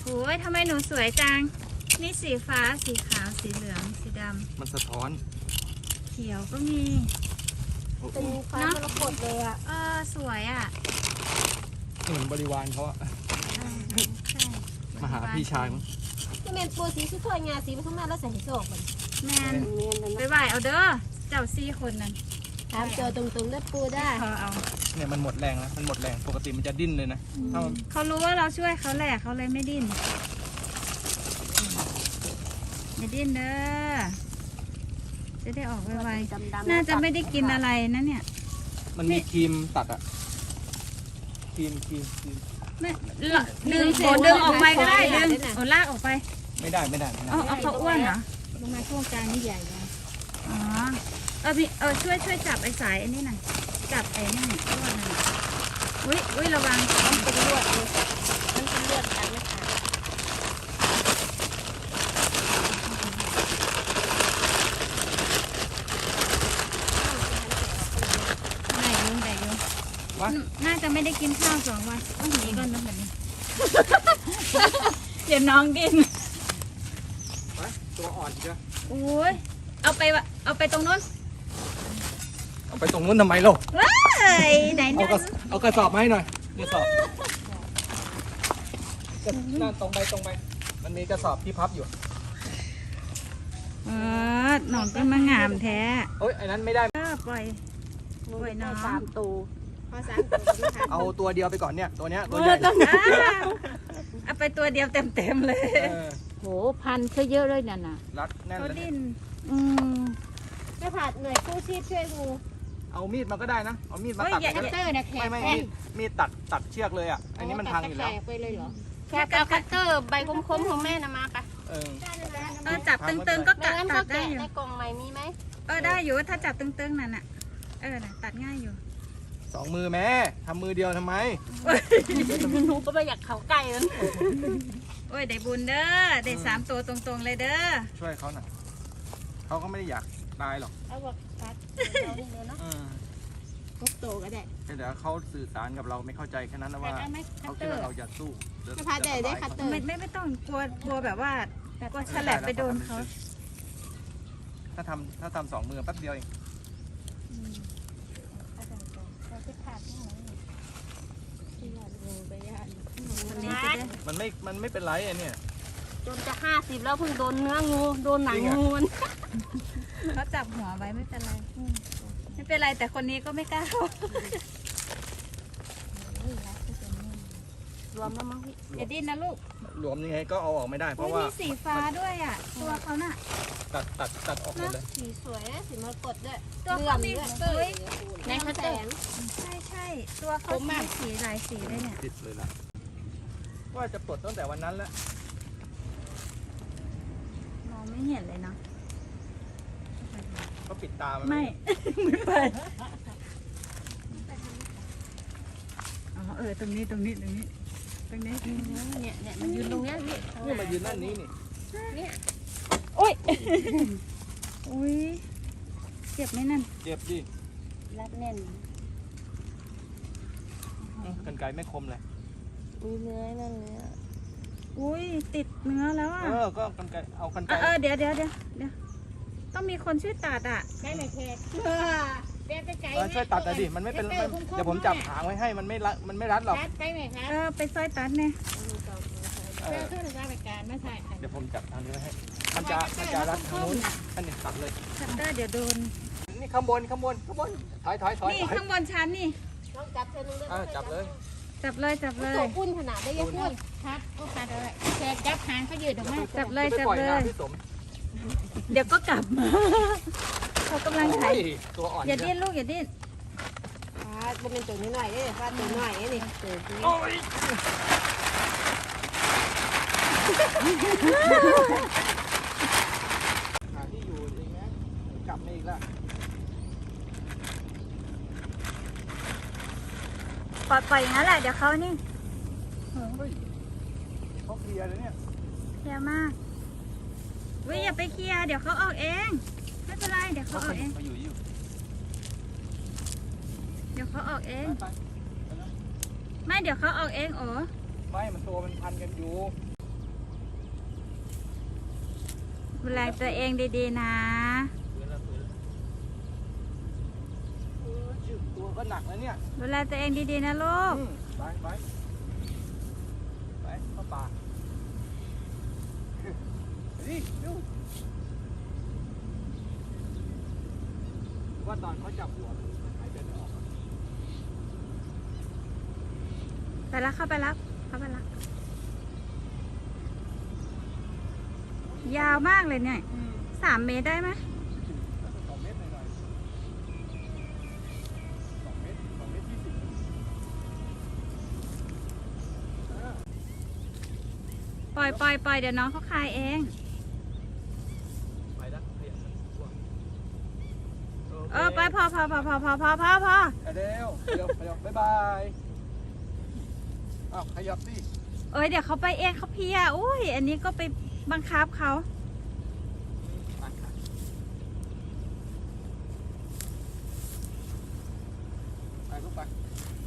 โอ้ยทำไมหนูสวยจังนี่สีฟ้าสีขาวสีเหลืองสีดำมันสะท้อนเขียวก็มีเป็นฟ้ามรกตเลยอ่ะสวยอ่ะเหมือนบริวารเขาอะใช่มาหาพี่ชายมั้งที่เมนปูสีสวยงาสีมันข้างหน้าแล้วใส่หิโซกมันแมนเมียนนั่นไปนะไหวเอาเด้อเจ้าซี่คนนั้นถามเจอตรงๆได้ปูได้เอาเนี่ยมันหมดแรงแล้วมันหมดแรงปกติมันจะดิ้นเลยนะถ้ามันเขารู้ว่าเราช่วยเขาแหละเขาเลยไม่ดิ้นไม่ดิ้นเด้อจะได้ออกไวดำๆน่าจะไม่ได้กินอะไรนะเนี่ยมันมีครีมตัดอะครีมไม่ดึงดึงออกไปก็ได้ดึงลากออกไปไม่ได้เอาเขาอ้วนเหรอลงมาช่วงกลางนี่ใหญ่นะอ๋อพี่ช่วยจับไอ้สายไอ้นี่หน่อยจับไอ้นี่หน่อยอ้วนหน่อยอุ้ยระวังมันเป็นลวดเลยมันเป็นลวดกันไม่ขาดไหนยุงวะน่าจะไม่ได้กินข้าว2 วันต้องหนีก่อนนะแบบนี้ เดี๋ยวน้องกินไปตัวอ่อนเชียวโอ้ยเอาไปตรงนู้นเอาไปตรงนู้นทำไมเราว้ายไหนเอาเนี่ยเอากระสอบมาให้หน่อยกระสอบนั่นตรงไป มันมีกระสอบที่พับอยู่หนองก็มางามแท้เอ้ยไอ้นั้นไม่ได้ปล่อย น้อง 3 ตัวพอ3 ตัวไม่ทันเอาตัวเดียวไปก่อนเนี่ยตัวเนี้ยตัวเอใหญ่ต้องเอาไปตัวเดียวเต็มเลยเออโหพันเขาเยอะเลยนั่นน่ะรัดแน่นเขาเลยดิ้นไม่ผัดหน่วยกู้ชีพช่วยงูเอามีดมาก็ได้นะเอามีดมาเฮ้ยตัดอย่าก็คัตได้เตอร์นะแขกไม่แขกมีดตัดเชือกเลยอ่ะอันนี้มันพังอยู่แล้วไปเลยเหรอแขกเอาคัตเตอร์ใบคมๆของแม่นะมาไปเออจับตึงๆก็ไม่งั้นตัเขาดได้แกะอยู่ในกล่องใหม่มีไหมได้อยู่ถ้าจับตึงๆนั่นน่ะน่ะตัดง่ายอยู่ 2 มือแม่ทำมือเดียวทำไมหนูก็ไม่อยากเขาใกล้นั้นโอ้ยได้บุญเด้อได้3 ตัวตรงๆเลยเด้อช่วยเขาหน่อยเขาก็ไม่ได้อยากตายหรอกเอาบอกคัดเราเดี๋ยวเนาะอืมพกโตก็ได้แต่เขาสื่อสารกับเราไม่เข้าใจแค่นั้นนะว่าได้ไหมคัเขาตเตคิดอร์ว่าเราจะสู้ไม่พัดได้คัตเตอร์ไม่ต้องกลัวแบบว่ากลัวฉลับไปโดนเขาถ้าทำ2 มือแป๊บเดียวเองคนนี้จะได้มันไม่เป็นไรไอ้เนี่ยจนจะ50แล้วเพิ่งโดนเนื้องูโดนหนังงูมันเขาจับหัวไว้ไม่เป็นไรไม่เป็นไรแต่คนนี้ก็ไม่กล้ารวมแล้วมั้งพี่อย่าดิ้นนะลูกหลวมยังไงก็เอาออกไม่ได้เพราะว่ามีสีฟ้าด้วยอ่ะตัวเขาน่ะตัดออกหมดเลยสีสวยนะสีมรกตด้วยตัวเขามีด้วย ในคัตเตอร์ใช่ตัวเขามีสีหลายสีเลยเนี่ยติดเลยล่ะว่าจะปลดตั้งแต่วันนั้นแล้วมองไม่เห็นเลยเนาะเขาปิดตามันไม่ไปตรงนี้เนี่ยมันยืนตรงเนี้ยพี่นี่มายืนนั่นนี้นี่โอ้ยอุ้ยเจ็บไหมนั่นเจ็บดิรัดแน่นกันไกรไม่คมเลยอุ้ยเนื้อนั่นเนื้ออุ้ยติดเนื้อแล้วอ่ะก็กันไกรเอากันไกรเดี๋ยวต้องมีคนช่วยตัดอ่ะได้ไหมแขกเด็ดไก่ช่วยตัดแต่ดิมันไม่เป็นเดี๋ยวผมจับหางไว้ให้มันไม่รัดหรอกรัดไปไหมคะไปซอยตัดเนี่ยเพื่อขึ้นรายการไม่ใช่เดี๋ยวผมจับทางนี้ไว้ให้มันจะรัดทางนู้นอันนี้ตัดเลยคัตเตอร์เดี๋ยวโดนนี่ข้างบนถอยนี่ข้างบนชั้นนี่ต้องจับเธอนึงจับเลยจับเลยตัวปุ้นขนาดได้ยังพูดครับก็คัดเลยแขกจับหางเขายืดออกมาจับเลยไปปล่อยน้ำพี่สมเดี๋ยวก็กลับมาเขากำลังถ่ายตัวอ่อนอย่าดิ้นลูกอย่าดิ้นมันเป็นตัวนิดหน่อยนี่ฟาดตัวหน่อยนี่ตัวนี้โอ้ยหาที่อยู่เองนะกลับมาอีกแล้วปล่อยอย่างนั้นแหละเดี๋ยวเขานี่เขาเคลียร์เลยเนี่ยเคลียร์มากวิอย่าไปเคลียร์เดี๋ยวเขาออกเองไม่เป็นไรเดี๋ยวเขาออกเองเขาอยู่เดี๋ยวเขาออกเองไปไม่เดี๋ยวเขาออกเองโอ้ไม่มันตัวมันพันกันอยู่ดูแลตัวเองดีๆนะตัวก็หนักแล้วเนี่ยดูแลตัวเองดีๆนะลูกไปเข้าป่าดิดูว่าตอนเขาจับหัวมันหายใจไม่ออกไปแล้วเข้าไปแล้วยาวมากเลยเนี่ย3 เมตรได้ไหม 2 เมตรหน่อย2 เมตร20 ปล่อยเดี๋ยวน้องเขาคายเองไปแล้วขยับตัวไปพอเร็วบ๊ายบายอ้าวขยับสิเดี๋ยวเขาไปเองเขาเพลียอุ้ยอันนี้ก็ไปบังคับเขาไปลูกไป